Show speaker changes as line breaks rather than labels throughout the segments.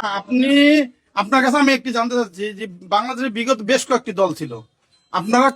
আপনি, আপনার কাছে আমি একটি জানতে চাচ্ছি যে বাংলাদেশের বিগত বেশ কয়েকটি দল ছিল, আপনারা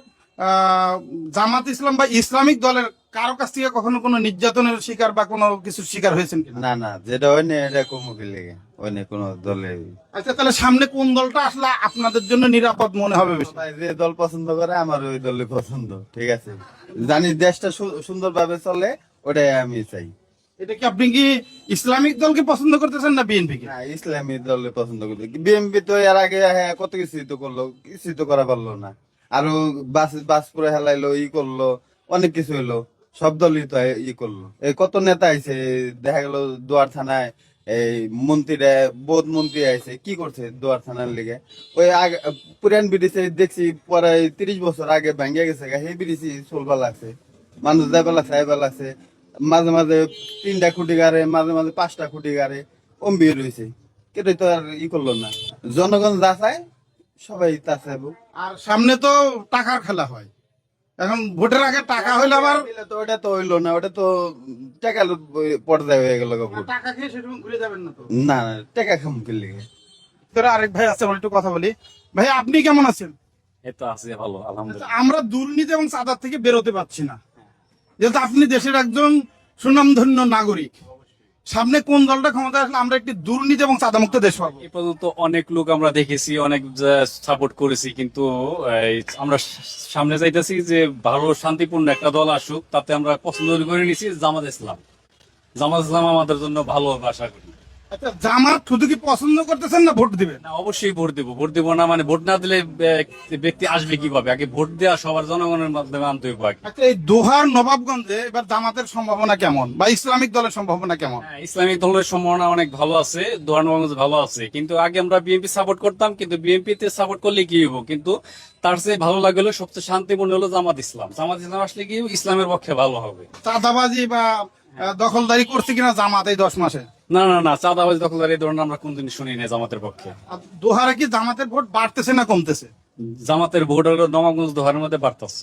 জামাত ইসলাম বা ইসলামিক দলের কারো কাছ থেকে কখনো কোনো নির্যাতনের শিকার বা কোনো কিছুর শিকার হয়েছেন কিনা?
না না, যেটা হয় না এটা কমুকি লেগে হয় না কোনো দলে।
আচ্ছা, তাহলে সামনে কোন দলটা আসলে আপনাদের জন্য নিরাপদ মনে হবে বেশি?
সবাই যে দল পছন্দ করে আমার ওই দলে পছন্দ, ঠিক আছে। জানি দেশটা সুন্দরভাবে চলে, ওটাই আমি চাই।
এটা কি আপনি কি ইসলামিক দলকে পছন্দ করতেছেন না বিএনপি কে?
না, ইসলামী দলে পছন্দ করি। বিএমপি তো এর আগে হ্যাঁ কত কিছুই তো করলো, কিছুই তো করা পারলো না। আরো বাস করে হেলাইলো, ই করলো, অনেক কিছু হইলো। সব দলই তো ই করলো। এই কত নেতা আইছে, দেখা গেল দুয়ার থানায় এই মন্ত্রীরা, বোধ মন্ত্রী আইছে, কি করছে দুয়ার থানার লিগে? ওই আগে পুরান ব্রিটিশে দেখছি পরে 30 বছর আগে ভাঙ্গিয়া গেছে, সেই ব্রিটিশই চলবা লাগছে, মানুষ যাইবা লাগছে, আইবা লাগছে। মাঝে মাঝে 3টা খুঁটি গাড়ে, মাঝে মাঝে 5টা খুঁটি গাড়ে, বের হয়েছে। কেটে তো আর ই করলো না। জনগণ যা চায় সবাই তা চাইবো।
আর সামনে তো টাকার খেলা হয়, এখন ভোটের আগে টাকা হইলে আবার
তো ওটা তো হইলো না, ওটা তো টাকা পর্যায়ে হয়ে গেল।
টাকা খেয়ে সেরকম ঘুরে যাবেন না তো?
না না, টাকা খাম করলে
তোরা আরেক ভাই আছে, আমার একটু কথা বলি। ভাই আপনি কেমন আছেন?
এই তো আছি ভালো, আলহামদুলিল্লাহ।
আমরা দুর্নীতি এবং চাঁদার থেকে বেরোতে পারছি না, যেহেতু আপনি দেশের একজন সুনামধন্য নাগরিক। সামনে কোন দলটা ক্ষমতা আসলে আমরা একটি দুর্নীতি এবং চাঁদামুক্ত দেশ পাবো?
এই পর্যন্ত অনেক লোক আমরা দেখেছি, অনেক সাপোর্ট করেছি, কিন্তু আমরা সামনে যাইতেছি যে ভালো শান্তিপূর্ণ একটা দল আসুক, তাতে আমরা পছন্দ করে নিছি জামাত ইসলাম। জামাত ইসলাম আমাদের জন্য ভালো হবে আশা করি।
আচ্ছা, জামাত শুধু কি পছন্দ করতেছেন না ভোট দিবেন?
না, অবশ্যই ভোট দেবো। ভোট দেবো না মানে ভোট না দিলে ব্যক্তি আসবে কিভাবে? আগে ভোট দেওয়া সবার জনগণের মাধ্যমে আনতে হবে আগে।
আচ্ছা, এই দোহার নবাবগঞ্জে এবার জামাতের সম্ভাবনা কেমন বা ইসলামিক দলের সম্ভাবনা কেমন?
হ্যাঁ, ইসলামিক দলের সম্ভাবনা অনেক ভালো আছে, দোয়ানগঞ্জ ভালো আছে। কিন্তু আগে আমরা বিএনপি সাপোর্ট করতাম, কিন্তু বিএনপি তে সাপোর্ট করলে কি হইব? কিন্তু তার চেয়ে ভালো লাগলো, সবচেয়ে শান্তিপূর্ণ হলো জামাত ইসলাম। জামাত ইসলাম আসলে কি ইসলামের পক্ষে ভালো হবে।
চাঁদাবাজি বা দখলদারি করছে কিনা জামাত এই 10 মাসে?
না না না, চাঁদাবাজি দখলদারি এই ধরনের আমরা কোনদিন শুনি না জামাতের পক্ষে।
আর দোহারে কি জামাতের ভোট বাড়তেছে না কমতেছে?
জামাতের ভোট হলো নবাবগঞ্জ দোহারের মধ্যে বাড়তেছে,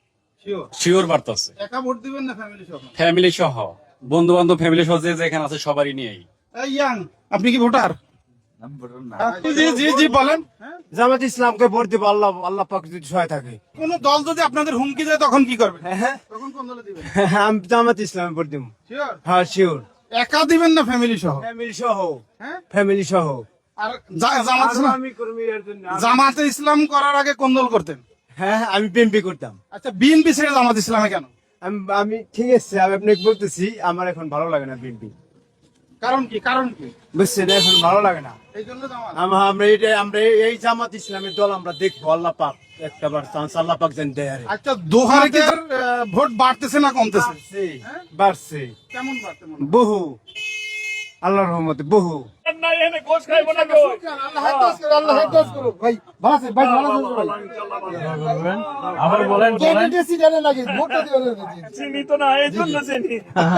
শিওর বাড়তেছে।
একা ভোট দিবেন না ফ্যামিলি সহ?
ফ্যামিলি সহ, বন্ধু বান্ধব, ফ্যামিলি সহ যে যেখানে আছে সবারই নিয়েই।
এই ইয়াং, আপনি কি ভোটার? জি জি জি, বলেন।
জামাত ইসলামকে ভোট দিব, আল্লাহ আল্লাহ পাক যদি সহায় থাকে।
কোন দল যদি আপনাদের হুমকি দেয় তখন কি করবেন? তখন কোন দলে দিবেন?
আমি জামাত ইসলামে ভোট দিব।
শিওর?
হ্যাঁ শিওর।
একা দিবেন না ফ্যামিলি সহ?
ফ্যামিলি সহ।
হ্যাঁ?
ফ্যামিলি সহ।
আর জামাত ইসলাম,
আমি কর্মী এর জন্য
জামাতে ইসলাম করার আগে কোন দল করতেন?
হ্যাঁ আমি বিএনপি করতাম।
আচ্ছা, বিএনপি ছেড়ে জামাত ইসলামে কেন?
আমি ঠিক আছে, আমি আপনাকে বলতেছি, আমার এখন ভালো লাগে না বিএনপি।
কারণ কি? কারণ কি?
বুঝছেন, এখন ভালো লাগে না।
এই জন্য জামাত।
আমরা এই জামাত ইসলামের দল আমরা দেখবো, আল্লাহ পাক একটাবার চান্স আল্লাহ পাক যেন দেয় আর কি।
আচ্ছা, দোহারে কি আর, ভোট বাড়তেছে না কমতেছে?
বাড়ছে, বাড়ছে
কেমন বাড়তে মনে হয়?
বহু, আল্লাহর রহমতে বহু।
আবার বলেন
চিনি তো না, এই জন্য চিনি।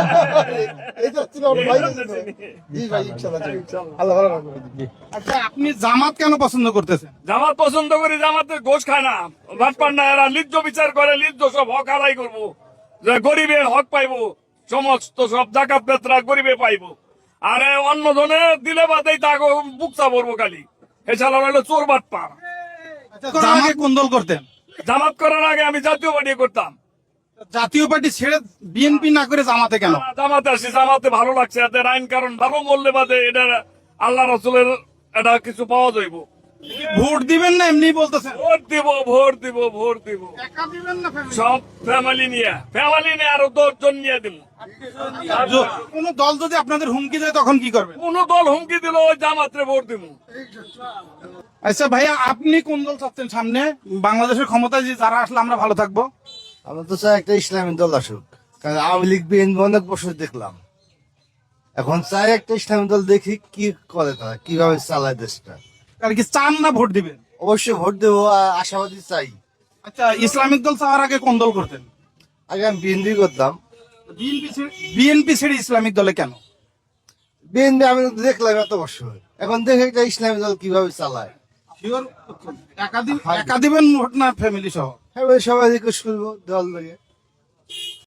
আচ্ছা, আপনি জামাত কেন পছন্দ করতেছেন?
জামাত পছন্দ করি, জামাতের ঘোষ খায় না, ভাত পান না, এরা লিজ্জ বিচার করে, লিজ্জ সব হক আদায় করবো, যে গরিবের হক পাইবো, সমস্ত সব জাকাত বেতরা গরিবে পাইবো। আর অন্য জনে দিলে বাদেই তাকে বুক চাপড়বো খালি। এছাড়া হলো চোর বাট পা।
আচ্ছা, জামাত কোন দল করতেন?
জামাত করার আগে আমি জাতীয় পার্টি করতাম।
জাতীয় পার্টি ছেড়ে বিএনপি না করে জামাতে কেন?
জামাতে আসি, জামাতে ভালো লাগছে, এদের আইন কারণ ভালো মূল্যে বাদে এটা আল্লাহ রসুলের এটা কিছু পাওয়া যাইব।
ভোট দিবেন না এমনি বলতেছেন?
ভোট দিব, ভোট দিব, ভোট দিব,
একা দিবেন না family?
সব ফ্যামিলি নিয়ে আরো 10 জন নিয়ে দিব।
কোন দল যদি আপনাদের হুমকি দেয় তখন কি করবেন?
কোন দল হুমকি দিল ওই জামাতে ভোট দিব।
আচ্ছা ভাইয়া, আপনি কোন দল চাচ্ছেন সামনে বাংলাদেশের ক্ষমতায় যে যারা আসলে আমরা ভালো থাকবো?
আমরা তো চাই একটা ইসলামী দল আসুক, কারণ আওয়ামী লীগ বিএনপি অনেক বছর দেখলাম। এখন চাই একটা ইসলামী দল, দেখি কি করে তারা, কিভাবে চালায় দেশটা।
আর কি চান না ভোট দিবেন?
অবশ্যই ভোট দেবো, আশাবাদী চাই।
আচ্ছা, ইসলামিক দল চাওয়ার আগে কোন দল করতেন?
আগে আমি বিএনপি করতাম।
বিএনপি ছেড়ে ইসলামিক দলে কেন?
বিএনপি আমি তো দেখলাম এত বছর, এখন দেখে একটা ইসলামী দল কিভাবে চালায়।
শিওর একা দিবেন ভোট না ফ্যামিলি সহ?
হ্যাঁ, সবাই রিকোয়েস্ট করবো দল থেকে।